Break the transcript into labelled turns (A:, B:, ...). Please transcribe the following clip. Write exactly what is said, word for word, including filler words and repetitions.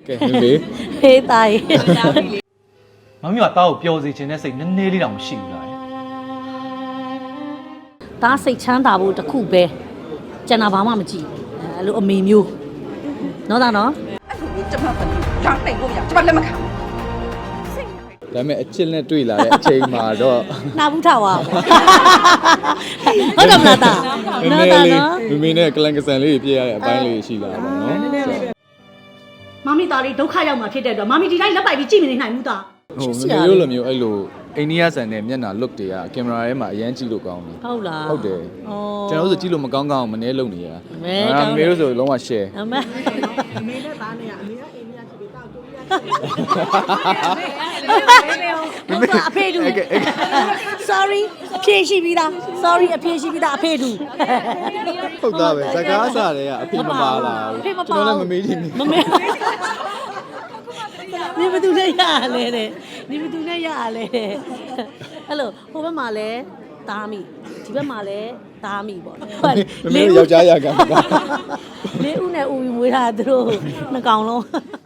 A: ကဲမေမေ
B: ဟေးတား
C: မမီးကတားကိုပျော်စေခြင်းနဲ့စိတ်နည်းနည်းလေးတောင်မရှိဘူးလား
B: တားစိတ်ချမ်းသာဖို့တခုပဲကျန်တာဘာမှမကြည့်အဲ့လိုအမေမျိုးနော်သားနော်
D: 这么狠，让内部呀，这么那么看。
A: ဒါပေမဲ့အချစ်နဲ့တွေ့လာတဲ့အချိန်မှာတော့
B: နာဘူးထားပါဟုတ်တယ်မလားတာနော်တာနော်
A: မေမေနဲ့ကလန်ကဆန်လေးပြည့်ရတဲ့အပိုင်းလေးရှိလာပါတော့နော်
B: မမီသားလေးဒုက္ခရောက်မှာဖြစ်တဲ့အတွက်မမီဒီတိုင်းလက်ပိုက်ပြီးကြည့်မနေနိုင်ဘူးသား
A: ဟိုမေမေတို့လိုမျိုးအဲ့လိုအိန္ဒိယဆန်တဲ့မျက်နှာ look တွေကကင်မရာထဲမှာအရန်ကြည့်လို့ကောင်းတယ်
B: ဟုတ်လား
A: ဟုတ်တယ်
B: ဩ
A: ကျွန်တော်တို့ဆိုကြည့်လို့မကောင်းကောင်းမနေလုံနေရ
B: မဲ
A: အာမေမေတို့ဆိုလုံးဝ share
B: အမေ
E: အမေနဲ့သားနဲ့ကအမေကအိမ်ကြီးချစ်ပြီးတောက်တူရ
B: ဟုတ်ပါအဖေတူ sorry အဖေရှိပြီးသား sorry အဖေရှိပြီးသားအဖေတူ
A: ဟုတ်သားပဲဇကားစားတွေကအဖေမပါလာဘူးကျွန်တော်လည်းမမေးချင်ဘူး
B: မမေးနေဘသူနဲ့ရရလဲတဲ့နေဘသူနဲ့ရရလဲတဲ့အဲ့လိုဟိုဘက်မှာလဲတားမိဒီဘက်မှာလဲတားမိပေါ့
A: မမေတို့ယောက်ျားရကံပါ
B: လေးဦးနဲ့ဦးပြီးမွေးတာသူတို့နှစ်ကောင်လုံး